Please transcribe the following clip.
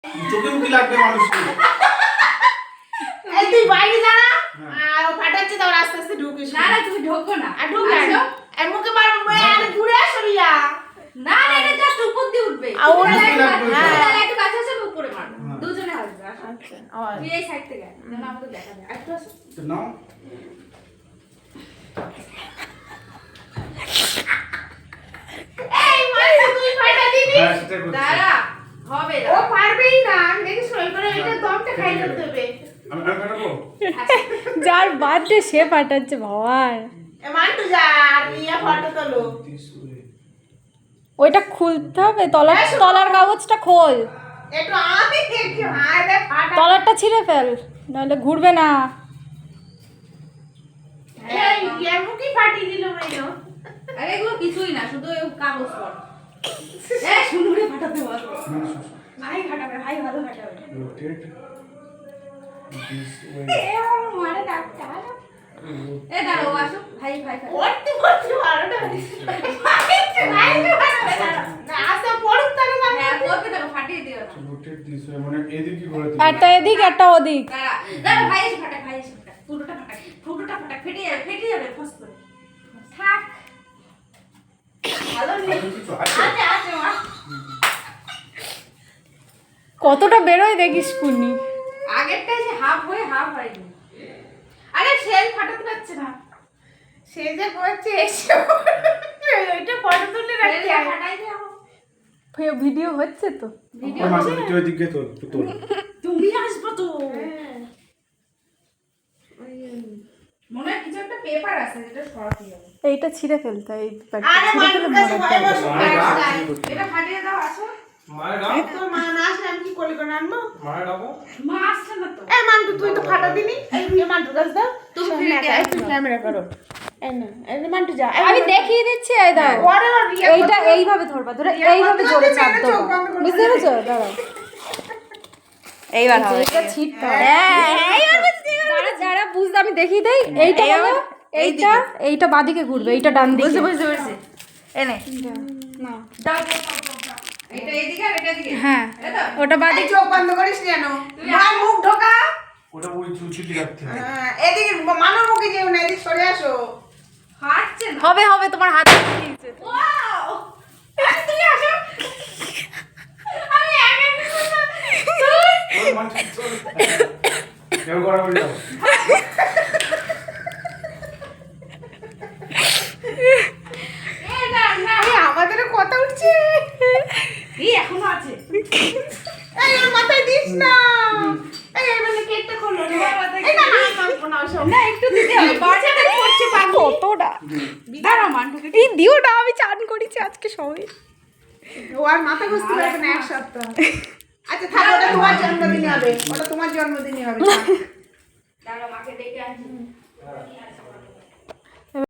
চোখে মুখে লাগবে মানুষকে। এই তুই বাইরে দাঁড়া আর ও ফাটাচ্ছে তো আস্তে আস্তে ঢুকিস। না না তুমি ঢোকো না। আর ঢুকে আসো আর মুখে মারবো আর ঘুরে আসো রিয়া। না না এটা জাস্ট উপর দিয়ে উঠবে। আর ওর হ্যাঁ একটু কাছে আসো উপরে মারো। দুজনে আসবে। আচ্ছা তুই এই সাইড থেকে যেন আমাদের দেখা যায়। একটু আসো। তো নাও এই মানে তুই ফাটা দিবি। হ্যাঁ সেটা করছি। দাঁড়া হবে ও পারবেই না আমি দেখি সই করে এটা দমটা খাই করতে হবে। আমি ফাটাবো। যার বার্থডে সে পাঠাচ্ছে ভগবান। এ মান্টু যা আর রিয়া ফটো তোলো। ওইটা খুলতে হবে, তলার কাগজটা খোল, একটু আমি একটু আরে ফাটা। তলারটা ছিঁড়ে ফেল, নাহলে ঘুরবে না। এই রিয়া মুখে ফাটি দিল মেনো। আরে এগুলো কিছুই না শুধু এই কাগজ পড়। এই শুনুরে ফাটাতে বল। ভাই ফাটাবে ভাই ভালো ফাটাবে। Rotate this way. এ আমার মারে ডাক্তার। এ দাঁড়াও আসো ভাই ভাই ভাই। পড়তে পড়তে আরোটা দিছে। ভাইকে ফাটাবে না। না আসা পড়ুক তাহলে না। হ্যাঁ বলতে দাও ফাটিয়ে দিও না। রোটেট দিস ওয়ে মানে এদিকে ঘোরা দিবি। একটা এদিক একটা ওদিক। দাঁড়া দাঁড়া ভাই এসে ফাটা ভাই এসে ফাটা। ফুটোটা ফাটা ফেটে যাবে ফস করে। থাক। ভালো নেই। কিছু আছে? আছে আছে মা। কতটা বেরোয় দেখিস কুনি। আগেরটা এসে হাফ হয়ে হাফ হয়নি। আরে সেল ফাটাতে পারছে না। সে যে করছে এসে ওইটা ফটো তুলে রাখতে সেলটা হয়। ফাটাই দাও। ভিডিও হচ্ছে তো। ভিডিও ওই মাঝে তুই ওদিকে তোল তোল। তুমি আসবে তো। মনে হয় কিছু একটা পেপার আছে যেটা সরাতে হবে। এইটা ছিঁড়ে ফেলতে হয়, এই প্যাডটা আরে ছিঁড়ে ফেলে মান্টুর কাছে মরাতে ভয় হবে। বসো। এটা ফাটিয়ে দাও আসো। মায়ের তোর মা না আসলে আমি কি করলি কোন আনবো? মায়ের ডাবো। মা আসছে না তো। এই মান্টু তুই তো ফাটা দিলি। এই রিয়া মান্টুর কাছে দাও। তুমি সামনে ফিরে একটা, একটু ক্যামেরা করো। এই না, এই যে মান্টু যা। এই আমি মান্টু। দেখিয়ে দিচ্ছি, এই দাও। ওরে ওর রিয়া এইটা কত- এইভাবে ধরবা, ধরে রিয়া এইভাবে কত জোরে বলছে, চাপ মেরে দেবো, চোখ বন্ধ করে বুঝতে বসে পেরেছো? দাঁড়াও, এইবার হবে। এইটা ছিটতে হবে। দাঁড়া দাঁড়া বুঝতে, আমি দেখিয়ে দেই। এইটা হলো, এইটা বাদিকে ঘুরবে, এইটা ডান দিকে। বুঝতে পেরেছি। এনে না দাও দাও দাও। এটা এদিকে আর এটা এদিকে। হ্যাঁ এই তো। ওটা এই বাদিকে। চোখ বন্ধ করিস কেন? মা মুখ ঢোকা। ওটা ওই চুচি রাখতে হবে। হ্যাঁ, এদিকে মানুর মুখে যেও না, এদিকে সরে আসো। ফাটছে না। হবে হবে, তোমার হাতে ওয়াও! তুমি আসো। আমি একা ওই মানুষ চল। কেউ করা বলে যাও। না না। এই আমাদেরও কথা উঠছে। এই এখনো আছে। এই ওর মাথায় দিস না। এই মানে কেকটা খোলো রে। এই না না মানবো না ওসব। না একটু দিতে হবে। বাচ্চাটা করছে পাগল। কতটা দাঁড়া মান্টুকে। এই দিওটা আমি চান করেছি আজকে সবাই। ও আর মাথা ঘুরতে পারবে না এক সপ্তাহ। আচ্ছা থাক, ওটা তোমার জন্মদিনে হবে। ওটা তোমার জন্মদিনে হবে। দাঁড়া মাকে ডেকে আসি।